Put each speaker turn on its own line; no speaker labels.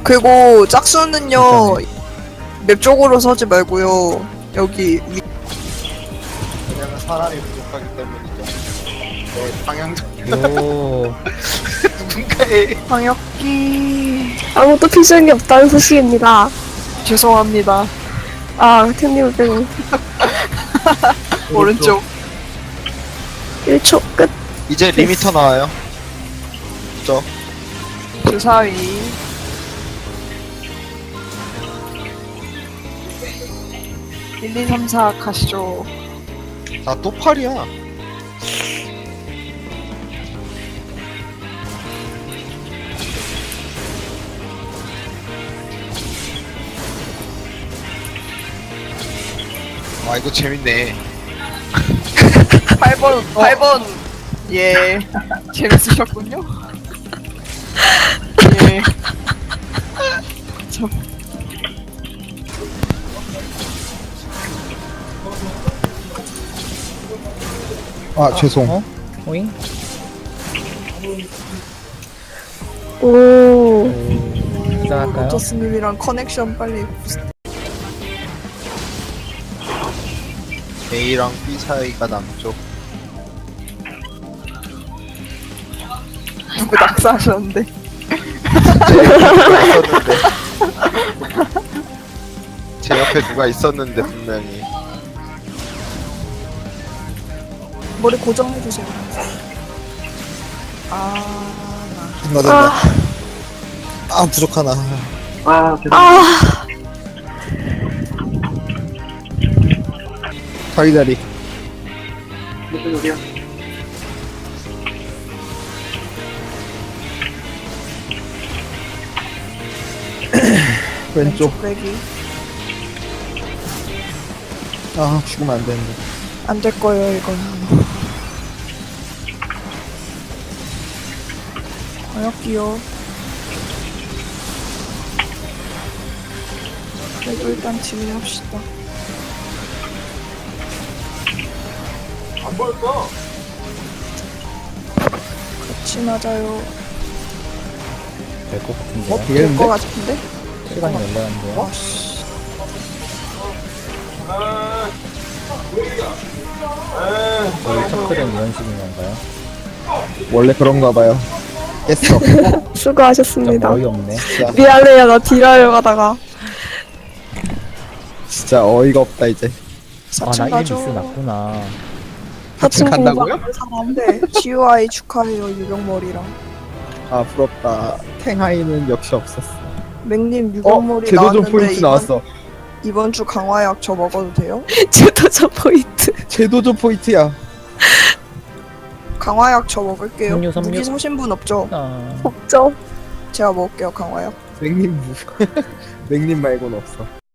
그리고 짝수는요 맵 쪽으로 서지 말고요 여기 위.
왜냐면 사람이 부족하기 때문이죠. 네, 방향적
오.
누군가의
방역기
아무도 필요한 게 없다는 소식입니다.
죄송합니다.
아, 템님 빼고
오른쪽
1초 끝.
이제 리미터 나와요.
주사위 1, 2, 3, 4 가시죠.
아, 또 팔이야. 아, 이거 재밌네.
8번 예 재밌으셨군요. 예. 참.
아, 죄송.
어? 오잉?
오,
시작할까요?
로터스님이랑 커넥션 빨리
A랑 B 사이가 남쪽.
누구 낙사하셨는데
제 옆에 누가 있었는데 분명히.
머리 고정해주세요. 아
아,
아, 부족하나.
아,
다리다리. 왼쪽.
빼기
아, 죽으면 안 되는데.
안 될 거예요 이건. 방역기요. 그래도 일단 진행합시다. 같이 맞아요.
될 것 같은데요?
될 거 같은데?
시간이 열렸는데요?
와씨.
저희 첫클은 이런 식인 건가요?
원래 그런가 봐요. 깼어.
좀
수고하셨습니다.
어이없네.
미안해요, 나 딜하려고 하다가.
진짜 어이가 없다, 이제.
아, 나
4층
이름
가죠.
미스 났구나.
4층
간다고요?
네, GUI 축하해요 유병머리랑.
아, 부럽다. 탱하이는 역시 없었어.
맥님 유병머리
제도전
나왔는데
포인트 나왔어.
이번 주 강화약 저 먹어도 돼요?
제도저 포인트.
제도전 포인트야.
강화약 저 먹을게요.
섬유.
무기 사신 분 없죠?
아,
없죠?
제가 먹을게요 강화약.
맥님 맥님 말고는 없어.